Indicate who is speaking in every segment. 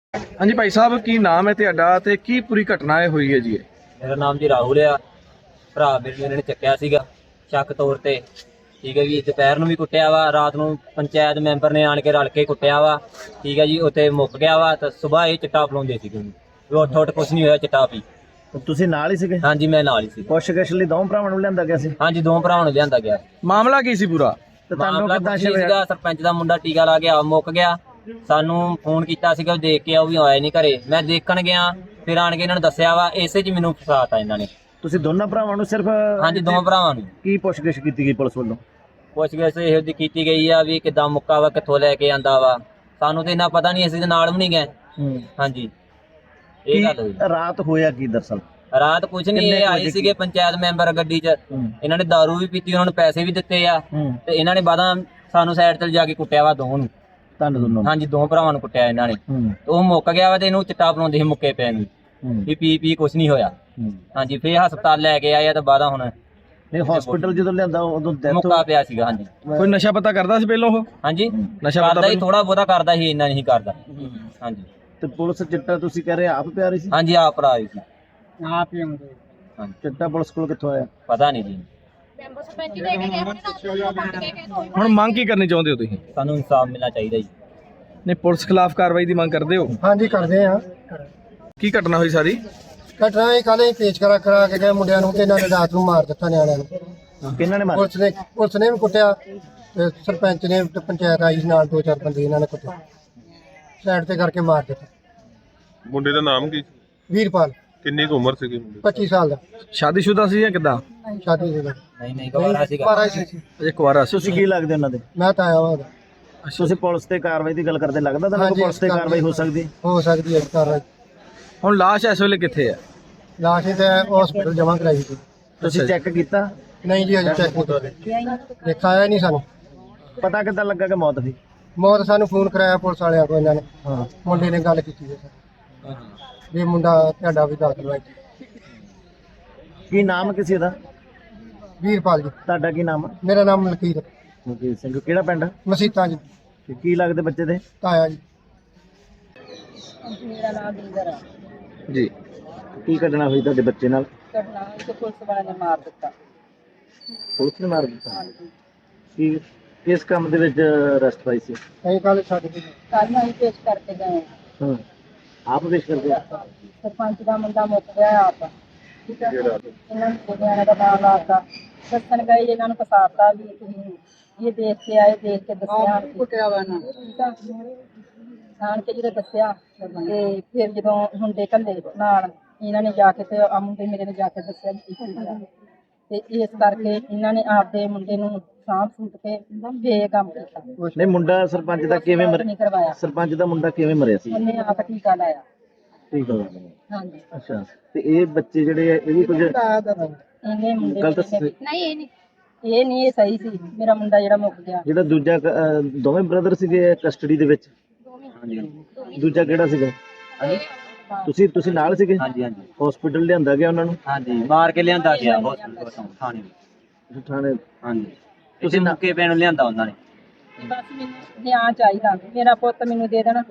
Speaker 1: हाँ जी भाई साहब की नाम है ਤੁਹਾਡਾ ਤੇ ਕੀ ਪੂਰੀ ਘਟਨਾ ਹੋਈ ਹੈ ਜੀ?
Speaker 2: ਮੇਰਾ ਨਾਮ ਜੀ ਰਾਹੁਲ ਆ। ਭਰਾ ਮੇਰੇ ਨੂੰ ਇਹਨਾਂ ਨੇ ਚੱਕਿਆ ਸੀਗਾ ਸ਼ੱਕ ਤੌਰ ਤੇ। ਠੀਕ ਹੈ ਜੀ, ਦੁਪਹਿਰ ਨੂੰ ਵੀ ਕੁੱਟਿਆ ਵਾ, ਰਾਤ ਨੂੰ ਪੰਚਾਇਤ ਮੈਂਬਰ ਨੇ ਆਣ ਕੇ ਰਲ ਕੇ ਕੁੱਟਿਆ ਵਾ। ਠੀਕ ਹੈ ਜੀ, ਉੱਥੇ ਮੁੱਕ ਗਿਆ ਵਾ ਤਾਂ ਸਵੇਰ ਇਹ ਚਿੱਟਾ ਪਲਾਉਂਦੇ ਸੀਗੇ ਉਹਨੂੰ। ਉਹ ਉੱਠ ਕੁਛ ਨਹੀਂ ਹੋਇਆ, ਚਿੱਟਾ ਪੀ।
Speaker 3: ਤੁਸੀਂ ਨਾਲ ਹੀ ਸੀਗੇ?
Speaker 2: ਹਾਂਜੀ ਮੈਂ ਨਾਲ ਹੀ ਸੀ।
Speaker 3: ਪੁੱਛਗਿੱਛ ਲਈ ਦੋਵਾਂ ਭਰਾਵਾਂ ਨੂੰ ਲਿਆਂਦਾ ਗਿਆ ਸੀ?
Speaker 2: ਹਾਂਜੀ ਦੋ ਭਰਾਵਾਂ ਨੂੰ ਲਿਆਂਦਾ ਗਿਆ।
Speaker 1: ਮਾਮਲਾ ਕੀ ਸੀ ਪੂਰਾ?
Speaker 3: ਤੇ ਤੁਹਾਨੂੰ
Speaker 2: ਮਾਮਲਾ
Speaker 3: ਕਿੱਦਾਂ
Speaker 2: ਕੁਛ ਨਹੀਂ
Speaker 3: ਸ਼ਿਵ
Speaker 2: ਸੀਗਾ, ਸਰਪੰਚ ਦਾ ਮੁੰਡਾ ਟੀਕਾ ਲਾ ਗਿਆ, ਮੁੱਕ ਗਿਆ। ਸਾਨੂੰ ਫੋਨ ਕੀਤਾ ਸੀਗਾ, ਦੇਖ ਕੇ ਉਹ ਵੀ ਆਇਆ ਨਹੀਂ ਘਰੇ। ਮੈਂ ਦੇਖਣ ਗਿਆ, ਫਿਰ ਆਣ ਕੇ ਇਹਨਾਂ ਨੂੰ ਦੱਸਿਆ ਵਾ। ਇਸੇ 'ਚ ਮੈਨੂੰ ਫਸਾਤਾ ਇਹਨਾਂ ਨੇ।
Speaker 3: ਤੁਸੀਂ ਦੋਨਾਂ ਭਰਾਵਾਂ ਨੂੰ ਸਿਰਫ?
Speaker 2: ਹਾਂਜੀ ਦੋਵਾਂ ਭਰਾਵਾਂ ਨੂੰ।
Speaker 3: ਕੀ ਪੁੱਛਗਿੱਛ ਕੀਤੀ ਗਈ ਪੁਲਿਸ ਵੱਲੋਂ?
Speaker 2: ਪੁੱਛਗਿੱਛ ਇਹੋ ਜਿਹੀ ਕੀਤੀ ਗਈ ਆ ਵੀ ਕਿੱਦਾਂ ਮੁੱਕਾ ਵਾ, ਕਿੱਥੋਂ ਲੈ ਕੇ ਆਂਦਾ ਵਾ। ਸਾਨੂੰ ਤੇ ਇੰਨਾ ਪਤਾ ਨਹੀਂ, ਅਸੀਂ ਤੇ ਨਾਲ ਵੀ ਨਹੀਂ ਗਏ। ਹਾਂਜੀ ਇਹ ਗੱਲ ਹੋਈ।
Speaker 3: ਰਾਤ ਹੋਇਆ ਕੀ ਦਰਅਸਲ?
Speaker 2: ਰਾਤ ਕੁਝ ਨਹੀਂ, ਇਹ ਆਏ ਸੀਗੇ ਪੰਚਾਇਤ ਮੈਂਬਰ ਗੱਡੀ 'ਚ। ਇਹਨਾਂ ਨੇ ਦਾਰੂ ਵੀ ਪੀਤੀ, ਉਹਨਾਂ ਨੂੰ ਪੈਸੇ ਵੀ ਦਿੱਤੇ ਆ ਤੇ ਇਹਨਾਂ ਨੇ ਬਾਅਦਾਂ ਸਾਨੂੰ ਸਾਈਡ ਤੇ ਜਾ ਕੇ ਕੁੱਟਿਆ ਵਾ ਦੋਵਾਂ ਨੂੰ।
Speaker 3: ਤੁਹਾਨੂੰ ਦੋਨੋਂ?
Speaker 2: ਹਾਂਜੀ ਦੋ ਭਰਾਵਾਂ ਨੂੰ ਕੁੱਟਿਆ ਇਹਨਾਂ ਨੇ। ਤੇ ਉਹ ਮੁੱਕ ਗਿਆ ਵਾ ਤੇ ਇਹਨੂੰ ਚਿੱਟਾ ਪਲਾਉਂਦੇ ਸੀ ਮੁੱਕੇ ਪੈ ਨੂੰ ਵੀ ਪੀ ਕੁਝ ਨਹੀਂ ਹੋਇਆ। ਹਾਂਜੀ ਫਿਰ ਹਸਪਤਾਲ ਲੈ ਕੇ ਆਏ ਆ ਤੇ ਬਾਅਦਾਂ ਹੁਣ
Speaker 3: ਨਹੀਂ ਹਸਪੀਟਲ ਜਦੋਂ ਲਿਆਂਦਾ ਉਦੋਂ ਡੈਥ
Speaker 2: ਮੁੱਕਾ ਪਿਆ ਸੀਗਾ। ਹਾਂਜੀ
Speaker 1: ਕੋਈ ਨਸ਼ਾ ਪਤਾ ਕਰਦਾ ਸੀ ਪਹਿਲਾਂ ਉਹ?
Speaker 2: ਹਾਂਜੀ
Speaker 1: ਨਸ਼ਾ
Speaker 2: ਕਰਦਾ ਹੀ, ਥੋੜਾ ਬਹੁਤਾ ਕਰਦਾ ਸੀ, ਇੰਨਾ ਨਹੀਂ ਕਰਦਾ। ਹਾਂਜੀ
Speaker 3: ਤੇ ਪੁਲਿਸ ਚਿੱਟਾ ਤੁਸੀਂ ਕਹਿ ਰਹੇ ਆਪ ਪਿਆ ਰਹੀ ਸੀ?
Speaker 2: ਹਾਂਜੀ ਆਪ ਭਰਾ ਸੀ
Speaker 4: ਆਪ ਹੀ ਆਉਂਦੇ।
Speaker 2: ਹਾਂਜੀ
Speaker 3: ਚਿੱਟਾ ਪੁਲਿਸ ਕੋਲ ਕਿੱਥੋਂ ਆਇਆ?
Speaker 2: ਪਤਾ ਨਹੀਂ ਜੀ।
Speaker 1: ਹੁਣ ਮੰਗ ਕੀ ਕਰਨੀ ਚਾਹੁੰਦੇ ਹੋ ਤੁਸੀਂ?
Speaker 2: ਸਾਨੂੰ ਇਨਸਾਫ ਮਿਲਣਾ ਚਾਹੀਦਾ ਜੀ।
Speaker 1: ਨਹੀਂ ਪੁਲਿਸ ਖਿਲਾਫ ਕਾਰਵਾਈ ਦੀ ਮੰਗ ਕਰਦੇ ਹੋ?
Speaker 4: ਹਾਂਜੀ ਕਰਦੇ ਆ।
Speaker 1: ਕੀ ਘਟਨਾ ਹੋਈ ਸਾਰੀ?
Speaker 4: ਘਟਨਾ ਇਹ ਕੱਲ੍ਹ ਹੀ ਪੇਚ ਕਰਾ ਕੇ ਗਏ ਮੁੰਡਿਆਂ ਨੂੰ ਤੇ ਇਹਨਾਂ ਨੇ ਰਾਤ ਨੂੰ ਮਾਰ ਦਿੱਤਾ ਨਿਆਣਿਆਂ ਨੂੰ।
Speaker 3: ਕਿਹਨਾਂ ਨੇ ਮਾਰਿਆ?
Speaker 4: ਪੁਲਿਸ ਨੇ ਵੀ ਕੁੱਟਿਆ ਤੇ ਸਰਪੰਚ ਨੇ ਤੇ ਪੰਚਾਇਤ ਆਈ ਨਾਲ, ਦੋ ਚਾਰ ਬੰਦੇ ਇਹਨਾਂ ਨੇ ਕੁੱਟਿਆ, ਸਾਈਡ ਤੇ ਕਰਕੇ ਮਾਰ ਦਿੱਤਾ।
Speaker 5: ਮੁੰਡੇ ਦਾ ਨਾਮ ਕੀ?
Speaker 4: ਵੀਰਪਾਲ।
Speaker 5: ਕਿੰਨੀ ਕੁ ਉਮਰ ਸੀਗੀ ਮੁੰਡੇ
Speaker 4: 25 ਸਾਲ ਦਾ।
Speaker 1: ਸ਼ਾਦੀशुदा ਸੀ ਜਾਂ ਕਿੱਦਾਂ?
Speaker 4: ਸ਼ਾਦੀ ਸੀ।
Speaker 2: ਨਹੀਂ ਗਵਾਰਾ ਸੀਗਾ।
Speaker 4: ਬਾਰਾਂ ਸੀ।
Speaker 1: ਅਜੇ ਕੁਆਰਾ ਸੀ।
Speaker 3: ਤੁਸੀਂ ਕੀ ਲੱਗਦੇ ਉਹਨਾਂ ਦੇ?
Speaker 4: ਮੈਂ ਤਾਂ ਆਇਆ ਵਾ।
Speaker 3: ਤੁਸੀਂ ਪੁਲਿਸ ਤੇ ਕਾਰਵਾਈ ਦੀ ਗੱਲ ਕਰਦੇ, ਲੱਗਦਾ ਤੁਹਾਨੂੰ ਪੁਲਿਸ ਤੇ ਕਾਰਵਾਈ ਹੋ ਸਕਦੀ?
Speaker 4: ਹੋ ਸਕਦੀ ਹੈ ਕਾਰਵਾਈ।
Speaker 1: ਹੁਣ ਲਾਸ਼ ਇਸ ਵੇਲੇ ਕਿੱਥੇ ਹੈ?
Speaker 4: ਲਾਸ਼ ਤੇ ਹਸਪੀਟਲ ਜਮ੍ਹਾਂ ਕਰਾਈ ਸੀ।
Speaker 3: ਤੁਸੀਂ ਚੈੱਕ ਕੀਤਾ?
Speaker 4: ਨਹੀਂ ਜੀ ਅਜੇ ਚੈੱਕ ਨਹੀਂ ਦੇਖਾਇਆ ਨਹੀਂ ਸਾਨੂੰ।
Speaker 3: ਪਤਾ ਕਿੱਦਾਂ ਲੱਗਾ ਕਿ ਮੌਤ ਹੋਈ?
Speaker 4: ਮੌਤ ਸਾਨੂੰ ਫੋਨ ਕਰਾਇਆ ਪੁਲਿਸ ਵਾਲਿਆਂ ਕੋਲ ਇਹਨਾਂ ਨੇ। ਹਾਂ ਮੁੰਡੇ ਨੇ ਗੱਲ ਕੀਤੀ ਹੈ ਸਰ ਵੀ ਮੁੰਡਾ ਤੁਹਾਡਾ ਵੀ ਦਾਖਲ ਹੋਇਆ।
Speaker 3: ਕੀ ਨਾਮ ਕਿਸੇ ਦਾ?
Speaker 4: ਵੀਰਪਾਲ ਜੀ।
Speaker 3: ਤੁਹਾਡਾ ਕੀ ਨਾਮ?
Speaker 4: ਮੇਰਾ ਨਾਮ ਮਲਕੀਤ
Speaker 3: ਮਲਕੀਤ ਸਿੰਘ। ਕਿਹੜਾ ਪਿੰਡ?
Speaker 4: ਮਸੀਤਾਂ ਜੀ।
Speaker 3: ਤੇ ਕੀ ਲੱਗਦੇ ਬੱਚੇ ਦੇ?
Speaker 4: ਤਾਇਆ ਜੀ।
Speaker 6: ਮੇਰਾ ਨਾਮ ਦਿਲਦਰ ਹੈ
Speaker 1: ਜੀ।
Speaker 3: ਕੀ ਘਟਨਾ ਹੋਈ ਤੁਹਾਡੇ ਬੱਚੇ ਨਾਲ?
Speaker 6: ਘਟਨਾ ਹੋਈ ਤੇ ਪੁਲਿਸ ਵਾਲਿਆਂ ਨੇ ਮਾਰ ਦਿੱਤਾ।
Speaker 3: ਪੁਲਿਸ ਨੇ ਮਾਰ ਦਿੱਤਾ?
Speaker 6: ਹਾਂਜੀ
Speaker 3: ਕੀ ਕਿਸ ਕੰਮ ਦੇ ਵਿੱਚ ਅਰੈਸਟ ਪਾਈ ਸੀ?
Speaker 4: ਅਸੀਂ ਕੱਲ੍ਹ ਛੱਡ ਕੇ
Speaker 6: ਕੱਲ੍ਹ ਅਸੀਂ ਪੇਸ਼ ਕਰਕੇ ਗਏ
Speaker 3: ਹਾਂ ਆਪ ਪੇਸ਼ ਕਰਦੇ?
Speaker 6: ਸਰਪੰਚ ਦਾ ਮੁੰਡਾ ਮੁੱਕ ਗਿਆ ਆਪ। ਠੀਕ ਹੈ, ਇਹਨਾਂ ਨੂੰ ਨਿਆਣੇ ਦਾ ਨਾਮ ਲਾਤਾ, ਦੱਸਣ ਗਏ ਇਹਨਾਂ ਨੂੰ ਫਸਾਤਾ ਵੀ ਤੁਸੀਂ ਇਹ ਦੇਖ ਕੇ ਆਏ, ਦੇਖ ਕੇ ਦੱਸਿਆ ਕੁੱਟਿਆ ਵਾ ਨਾ। ਠੀਕ ਆ, ਆਣ ਕੇ ਜਦੋਂ ਦੱਸਿਆ ਤੇ ਫਿਰ ਜਦੋਂ ਮੁੰਡੇ ਘੱਲੇ ਨਾਲ ਇਹਨਾਂ ਨੇ ਜਾ ਕੇ ਤੇ ਆ ਮੁੰਡੇ ਮੇਰੇ ਨੇ ਜਾ ਕੇ ਦੱਸਿਆ ਵੀ ਕੀ ਹੋਇਆ। ਤੇ ਇਸ ਕਰਕੇ ਇਹਨਾਂ ਨੇ ਆਪਦੇ ਮੁੰਡੇ ਨੂੰ ਸਾਂਭ ਸੂਟ ਕੇ ਬੇਗਮ ਕੀਤਾ।
Speaker 3: ਨਹੀਂ ਮੁੰਡਾ ਸਰਪੰਚ ਦਾ ਕਿਵੇਂ
Speaker 6: ਨਹੀਂ
Speaker 3: ਮਰਿਆ?
Speaker 6: ਕਰਵਾਇਆ,
Speaker 3: ਸਰਪੰਚ ਦਾ ਮੁੰਡਾ ਕਿਵੇਂ ਮਰਿਆ ਸੀ?
Speaker 6: ਉਹਨੇ ਆਪ ਟੀਕਾ ਲਾਇਆ।
Speaker 3: ਠੀਕ ਹੈ।
Speaker 6: ਹਾਂਜੀ
Speaker 3: ਅੱਛਾ ਤੇ ਇਹ ਬੱਚੇ ਜਿਹੜੇ ਆ ਇਹ ਵੀ ਕੁਝ
Speaker 6: ਇਹਨੇ ਮੁੰਡੇ
Speaker 3: ਗਲਤ
Speaker 6: ਨਹੀਂ, ਇਹ ਨਹੀਂ ਇਹ ਸਹੀ ਸੀ। ਮੇਰਾ ਮੁੰਡਾ ਜਿਹੜਾ ਮੁੱਕ ਗਿਆ,
Speaker 3: ਜਿਹੜਾ ਦੂਜਾ ਦੋਵੇਂ ਬ੍ਰਦਰ ਸੀਗੇ ਕਸਟਡੀ ਦੇ ਵਿੱਚ? ਦੂਜਾ ਕਿਹੜਾ ਸੀਗਾ? ਤੁਸੀਂ ਨਾਲ ਸੀਗੇ?
Speaker 2: ਹਾਂਜੀ ਹਾਂਜੀ
Speaker 3: ਹਸਪੀਟਲ ਲਿਆਂਦਾ ਗਿਆ ਉਹਨਾਂ ਨੂੰ?
Speaker 2: ਹਾਂਜੀ ਮਾਰ ਕੇ ਲਿਆਂਦਾ ਗਿਆ ਹਸਪਤਾਲ ਤੋਂ ਥਾਣੇ ਵਿੱਚ।
Speaker 3: ਥਾਣੇ?
Speaker 2: ਹਾਂਜੀ ਤੁਸੀਂ ਮੁੱਕੇ ਪੈਣ ਨੂੰ ਲਿਆਂਦਾ ਉਹਨਾਂ ਨੇ।
Speaker 6: ਬਸ ਮੈਨੂੰ ਨਿਆਂ ਚਾਹੀਦਾ, ਮੇਰਾ ਪੁੱਤ ਮੈਨੂੰ ਦੇ ਦੇਣਾ।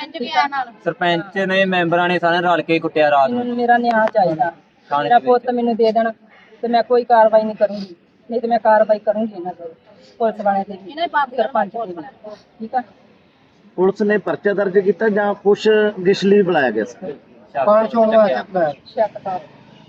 Speaker 2: ਸਰਪੰਚ ਨੇ ਮੈਂਬਰਾਂ ਨੇ ਸਾਰੇ ਰਲ ਕੇ ਕੁੱਟਿਆ ਰਾਤ ਨੂੰ।
Speaker 6: ਮੈਨੂੰ ਮੇਰਾ ਨਿਆਂ ਚਾਹੀਦਾ, ਮੇਰਾ ਪੁੱਤ ਮੈਨੂੰ ਦੇ ਦੇਣਾ ਤੇ ਮੈਂ ਕੋਈ ਕਾਰਵਾਈ ਨਹੀਂ ਕਰੂੰਗੀ। ਨਹੀਂ ਤੇ ਮੈਂ ਕਾਰਵਾਈ ਕਰੂੰਗੀ ਇਹਨਾਂ ਤੇ, ਪੁਲਿਸ ਵਾਲਿਆਂ ਤੇ ਵੀ, ਸਰਪੰਚ ਤੇ ਵੀ। ਠੀਕ ਆ।
Speaker 3: ਪੁਲਿਸ ਨੇ ਪਰਚਾ ਦਰਜ ਕੀਤਾ ਜਾਂ ਪੁੱਛਗਿੱਛ ਲਈ ਬੁਲਾਇਆ ਗਿਆ ਸੀ?
Speaker 4: ਪਾਣੀ ਚੋਣ ਵਾਸਤੇ
Speaker 6: ਸ਼ੱਕ ਤਾਂ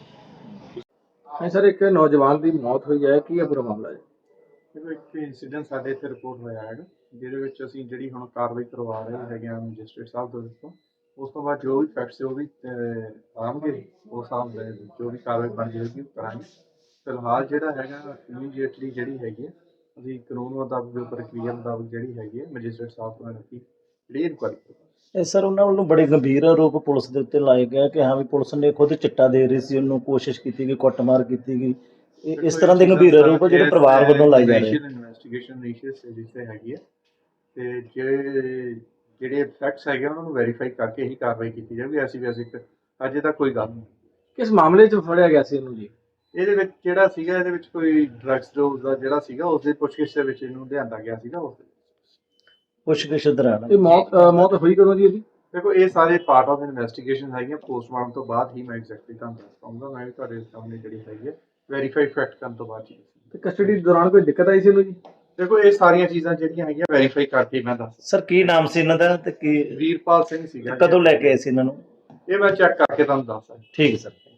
Speaker 1: ਨਹੀਂ ਸਰ, ਇੱਕ ਨੌਜਵਾਨ ਦੀ ਮੌਤ ਹੋਈ ਹੈ, ਕੀ ਹੈ ਪੂਰਾ ਮਾਮਲਾ ਜੀ?
Speaker 5: ਦੇਖੋ ਇੱਕ ਇਨਸੀਡੈਂਟ ਸਾਡੇ ਇੱਥੇ ਰਿਪੋਰਟ ਹੋਇਆ ਹੈਗਾ, ਜਿਹਦੇ ਵਿੱਚ ਅਸੀਂ ਜਿਹੜੀ ਹੁਣ ਕਾਰਵਾਈ ਕਰਵਾ ਰਹੇ ਹੈਗੇ ਆ ਮੈਜਿਸਟਰੇਟ ਸਾਹਿਬ ਦੇ ਵਿੱਚੋਂ। ਉਸ ਤੋਂ ਬਾਅਦ ਜੋ ਵੀ ਫੈਕਟਸ ਉਹ ਵੀ ਆਉਣਗੇ, ਉਸ ਹਿਸਾਬ ਦੇ ਜੋ ਵੀ ਕਾਰਵਾਈ ਬਣ ਜਾਏਗੀ ਕਰਾਂਗੇ। ਫਿਲਹਾਲ ਜਿਹੜਾ ਹੈਗਾ ਇਮੀਡੀਏਟਲੀ ਜਿਹੜੀ ਹੈਗੀ ਹੈ ਅਸੀਂ ਕਾਨੂੰਨ ਮੁਤਾਬਕ ਪ੍ਰਕਿਰਿਆ ਮੁਤਾਬਕ ਜਿਹੜੀ ਹੈਗੀ ਹੈ ਮੈਜਿਸਟਰੇਟ ਸਾਹਿਬ ਕੋਲ ਰੱਖੀ ਜਿਹੜੀ ਇਨਕੁਆਇਰੀ।
Speaker 3: ਇਹ ਸਰ ਉਹਨਾਂ ਵੱਲੋਂ ਬੜੇ ਗੰਭੀਰ ਆਰੋਪ ਪੁਲਿਸ ਦੇ ਉੱਤੇ ਲਾਏ ਗਏ ਕਿ ਹਾਂ ਵੀ ਪੁਲਿਸ ਨੇ ਖੁਦ ਚਿੱਟਾ ਦੇ ਰਹੀ ਸੀ, ਉਹਨੂੰ ਕੋਸ਼ਿਸ਼ ਕੀਤੀ ਗਈ, ਕੁੱਟਮਾਰ ਕੀਤੀ ਗਈ। ਇਸ ਤਰ੍ਹਾਂ ਦੇ ਗੰਭੀਰ ਆਰੋਪ ਜਿਹੜੇ ਪਰਿਵਾਰ ਵੱਲੋਂ ਲਾਏ ਜਾ ਰਹੇ।
Speaker 5: ਇਨਵੈਸਟੀਗੇਸ਼ਨ ਜਿੱਥੇ ਹੈਗੀ ਹੈ ਤੇ ਜਿਹੜੇ ਫੈਕਟਸ ਹੈਗੇ ਉਹਨਾਂ ਨੂੰ ਵੈਰੀਫਾਈ ਕਰਕੇ ਹੀ ਕਾਰਵਾਈ ਕੀਤੀ ਜਾਵੇ। ਐਸੀ ਵੈਸੇ ਅਜੇ ਤੱਕ ਕੋਈ ਗੱਲ ਨਹੀਂ।
Speaker 1: ਕਿਸ ਮਾਮਲੇ 'ਚ ਫੜਿਆ ਗਿਆ ਸੀ ਇਹਨੂੰ ਜੀ?
Speaker 5: ਇਹਦੇ ਵਿੱਚ ਜਿਹੜਾ ਸੀਗਾ ਇਹਦੇ ਵਿੱਚ ਕੋਈ ਡਰੱਗਸ ਡੋਜ਼ ਦਾ ਜਿਹੜਾ ਸੀਗਾ ਉਸ ਦੇ ਪੁੱਛਗਿੱਛ ਦੇ ਵਿੱਚ ਇਹਨੂੰ ਲਿਆਂਦਾ ਗਿਆ ਸੀਗਾ। ਉਸ
Speaker 3: ਪੁੱਛਗਿੱਛ ਦੌਰਾਨ
Speaker 1: ਇਹ ਮੌਤ ਹੋਈ ਕਦੋਂ ਜੀ ਇਹਦੀ?
Speaker 5: ਦੇਖੋ ਇਹ ਸਾਰੇ ਪਾਰਟ ਆਫ ਇਨਵੈਸਟੀਗੇਸ਼ਨ ਹੈਗੀਆਂ, ਪੋਸਟਮਾਰਟਮ ਤੋਂ ਬਾਅਦ ਹੀ ਮੈਂ ਐਗਜ਼ੈਕਟਲੀ ਤੁਹਾਨੂੰ ਦੱਸ ਪਾਉਂਗਾ। ਮੈਂ ਵੀ ਤੁਹਾਡੇ ਸਾਹਮਣੇ ਜਿਹੜੀ ਹੈਗੀ ਹੈ ਵੈਰੀਫਾਈ ਫੈਕਟ ਕਰਨ ਤੋਂ ਬਾਅਦ ਹੀ ਦੱਸਾਂਗਾ।
Speaker 1: ਤੇ ਕਸਟਡੀ ਦੌਰਾਨ ਕੋਈ ਦਿੱਕਤ ਆਈ ਸੀ ਉਹਨੂੰ ਜੀ?
Speaker 5: ਦੇਖੋ ਇਹ ਸਾਰੀਆਂ ਚੀਜ਼ਾਂ ਜਿਹੜੀਆਂ ਹੈਗੀਆਂ ਵੈਰੀਫਾਈ ਕਰਕੇ ਮੈਂ ਦੱਸ।
Speaker 3: ਸਰ ਕੀ ਨਾਮ ਸੀ ਇਹਨਾਂ ਦਾ ਤੇ ਕੀ
Speaker 5: ਵੀਰਪਾਲ ਸਿੰਘ ਸੀਗਾ।
Speaker 3: ਕਦੋਂ ਲੈ ਕੇ ਆਏ ਸੀ ਇਹਨਾਂ ਨੂੰ?
Speaker 5: ਇਹ ਮੈਂ ਚੈੱਕ ਕਰਕੇ ਤੁਹਾਨੂੰ ਦੱਸ ਸਕਦਾ।
Speaker 3: ਠੀਕ ਹੈ ਸਰ।